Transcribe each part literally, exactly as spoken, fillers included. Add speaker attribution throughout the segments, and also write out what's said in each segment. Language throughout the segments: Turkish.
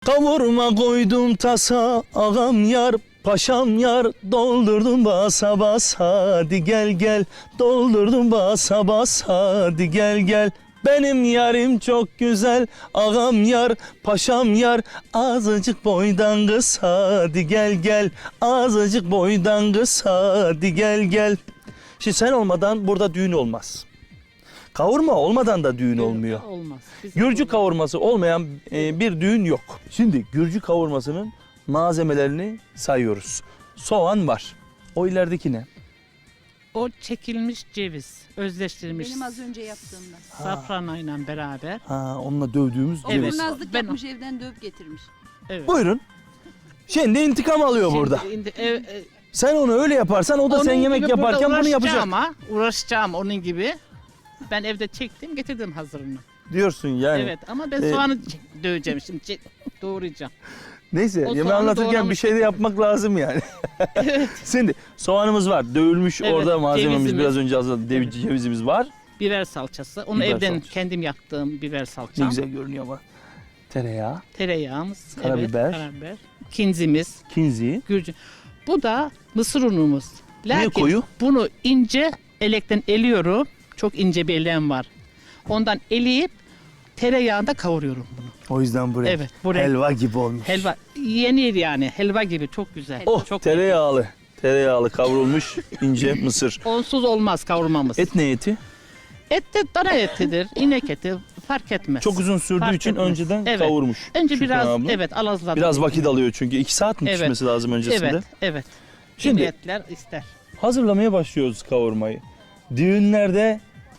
Speaker 1: Kavurma koydum tasa, ağam yar, paşam yar, doldurdum basa basa, hadi gel gel, doldurdum basa basa, hadi gel gel. Benim yarim çok güzel, ağam yar, paşam yar, azıcık boydan kısa, hadi gel gel, azıcık boydan kısa, hadi gel gel. Şimdi sen olmadan burada düğün olmaz. Kavurma olmadan da düğün olmuyor.
Speaker 2: Olmaz. Biz
Speaker 1: Gürcü
Speaker 2: olmaz.
Speaker 1: kavurması olmayan e, bir düğün yok. Şimdi Gürcü kavurmasının malzemelerini sayıyoruz. Soğan var. O ilerideki ne?
Speaker 2: O çekilmiş ceviz, özleştirilmiş
Speaker 3: Benim az önce yaptığımdan.
Speaker 2: safranayla beraber.
Speaker 1: Ha, onunla dövdüğümüz
Speaker 3: O
Speaker 2: Evet.
Speaker 1: ceviz.
Speaker 3: kurnazlık
Speaker 2: Ben-
Speaker 3: yapmış, evden dövüp getirmiş.
Speaker 2: Evet.
Speaker 1: Buyurun. Şimdi intikam alıyor
Speaker 2: Şimdi
Speaker 1: burada.
Speaker 2: indi- ev- e,
Speaker 1: Sen onu öyle yaparsan o da
Speaker 2: onun
Speaker 1: sen yemek
Speaker 2: gibi burada
Speaker 1: yaparken bunu yapacak.
Speaker 2: uğraşacağım ama uğraşacağım onun gibi. Ben evde çektim, getirdim hazırını.
Speaker 1: Diyorsun yani.
Speaker 2: Evet ama ben
Speaker 1: e,
Speaker 2: soğanı ç- döveceğim şimdi, çe- doğrayacağım.
Speaker 1: Neyse
Speaker 2: O
Speaker 1: yemeği
Speaker 2: soğanı
Speaker 1: anlatırken bir
Speaker 2: doğramış
Speaker 1: şey de
Speaker 2: getirdim.
Speaker 1: yapmak lazım yani. Şimdi soğanımız var. Dövülmüş
Speaker 2: Evet,
Speaker 1: orada malzememiz
Speaker 2: cevizimiz.
Speaker 1: biraz önce hazırladık. Dev-
Speaker 2: Evet.
Speaker 1: Cevizimiz var.
Speaker 2: Biber salçası. Onu
Speaker 1: Biber
Speaker 2: evden
Speaker 1: salçası.
Speaker 2: kendim yaptığım biber
Speaker 1: Ne
Speaker 2: salçam.
Speaker 1: güzel görünüyor ama. Tereyağı,
Speaker 2: Tereyağımız.
Speaker 1: Karabiber.
Speaker 2: Evet, karabiber. Kinzimiz.
Speaker 1: kinzi.
Speaker 2: Gürcü. Bu da mısır unumuz.
Speaker 1: Niye
Speaker 2: Lakin
Speaker 1: koyu?
Speaker 2: bunu ince elekten eliyorum. Çok ince bir elem var. Ondan eleyip tereyağında kavuruyorum bunu.
Speaker 1: O yüzden buraya.
Speaker 2: Evet, bu renk.
Speaker 1: Helva gibi olmuş.
Speaker 2: Helva yenir yani. Helva gibi çok güzel.
Speaker 1: Oh,
Speaker 2: çok
Speaker 1: tereyağlı. Tereyağlı kavrulmuş ince mısır.
Speaker 2: Onsuz olmaz kavurmamız. Et,
Speaker 1: Et ne eti?
Speaker 2: et de dana etidir, inek eti fark etmez.
Speaker 1: Çok uzun sürdüğü
Speaker 2: Fark
Speaker 1: için
Speaker 2: etmez.
Speaker 1: önceden
Speaker 2: Evet.
Speaker 1: kavurmuş.
Speaker 2: Önce
Speaker 1: Şükran
Speaker 2: biraz
Speaker 1: abla.
Speaker 2: evet alazladım.
Speaker 1: Biraz vakit alıyor çünkü iki saat mi
Speaker 2: Evet.
Speaker 1: pişmesi lazım öncesinde?
Speaker 2: Evet, evet.
Speaker 1: Şimdi-
Speaker 2: Şimdi etler ister.
Speaker 1: Hazırlamaya başlıyoruz kavurmayı. Düğünlerde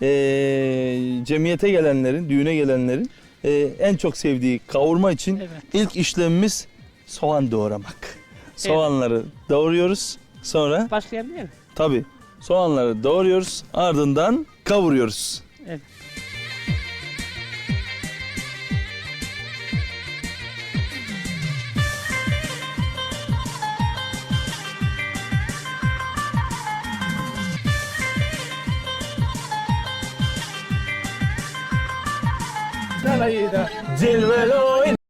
Speaker 1: eee, cemiyete gelenlerin, düğüne gelenlerin eee, en çok sevdiği kavurma için
Speaker 2: Evet.
Speaker 1: ilk işlemimiz soğan doğramak. Soğanları doğruyoruz. Sonra
Speaker 2: Başlayabilir miyim?
Speaker 1: tabii soğanları doğruyoruz. Ardından kavuruyoruz.
Speaker 2: Evet.
Speaker 1: Cilvelo